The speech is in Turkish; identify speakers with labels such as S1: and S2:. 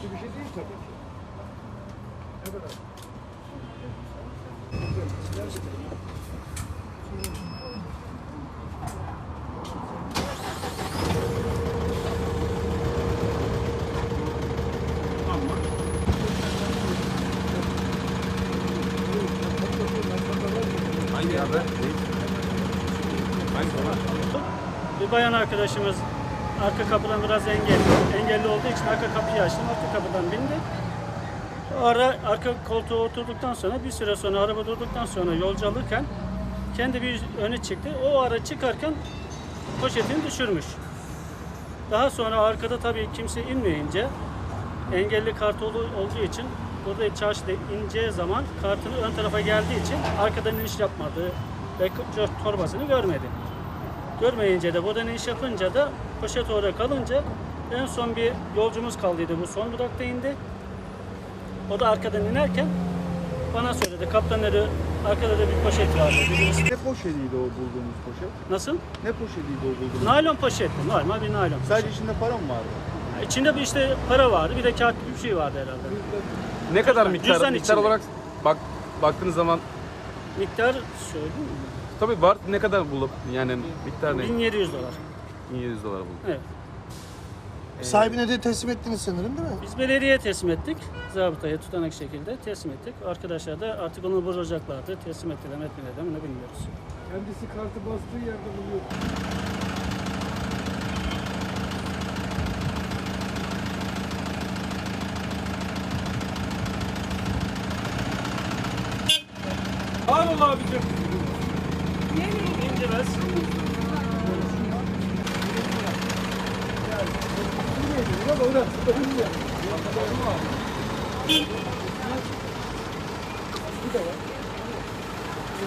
S1: bir şey değil tabii ki. Evet.
S2: Hangi haber? Hangi haber?
S3: Bir bayan arkadaşımız arka kapıdan biraz engelli olduğu için arka kapıyı açtım. Arka kapıdan bindi. O ara arka koltuğa oturduktan sonra bir süre sonra araba durduktan sonra yolcu alırken kendi bir öne çıktı. O ara çıkarken poşetini düşürmüş. Daha sonra arkada tabii kimse inmeyince engelli kart olduğu için burada çarşıda ineceği zaman kartını ön tarafa geldiği için arkadan iniş yapmadı ve torbasını görmedi. Görmeyince de buradan iniş yapınca da poşet orada kalınca en son bir yolcumuz kaldıydı. Bu son durakta indi. O da arkadan inerken bana söyledi. Kaptan dedi arkada da bir poşet vardı.
S4: Ne poşetiydi o bulduğumuz poşet?
S3: Nasıl?
S4: Ne poşetiydi o bulduğumuz?
S3: Naylon poşetti. Normal bir naylon.
S4: Sadece içinde para mı vardı?
S3: İçinde bir işte para vardı. Bir de kağıt gibi bir şey vardı herhalde.
S2: Ne kadar
S3: Cüzdan
S2: miktar
S3: içinde.
S2: olarak baktığınız zaman
S3: Miktar söyleyeyim mi?
S2: tabii var, ne kadar bulup yani miktar ne?
S3: 1700 dolar.
S2: 1700 dolar bulduk.
S3: Evet.
S5: Sahibine de teslim ettiniz sanırım değil mi?
S3: Biz belediyeye teslim ettik. Zabıtaya tutanak şekilde teslim ettik. Arkadaşlar da artık onu vuracaklardı. Teslim ettiler mi etmediler mi ne bilmiyoruz.
S1: Kendisi kartı bastığı yerde buluyor. Al abicim.
S3: İnce bez.
S1: Bak orada. Bir de var.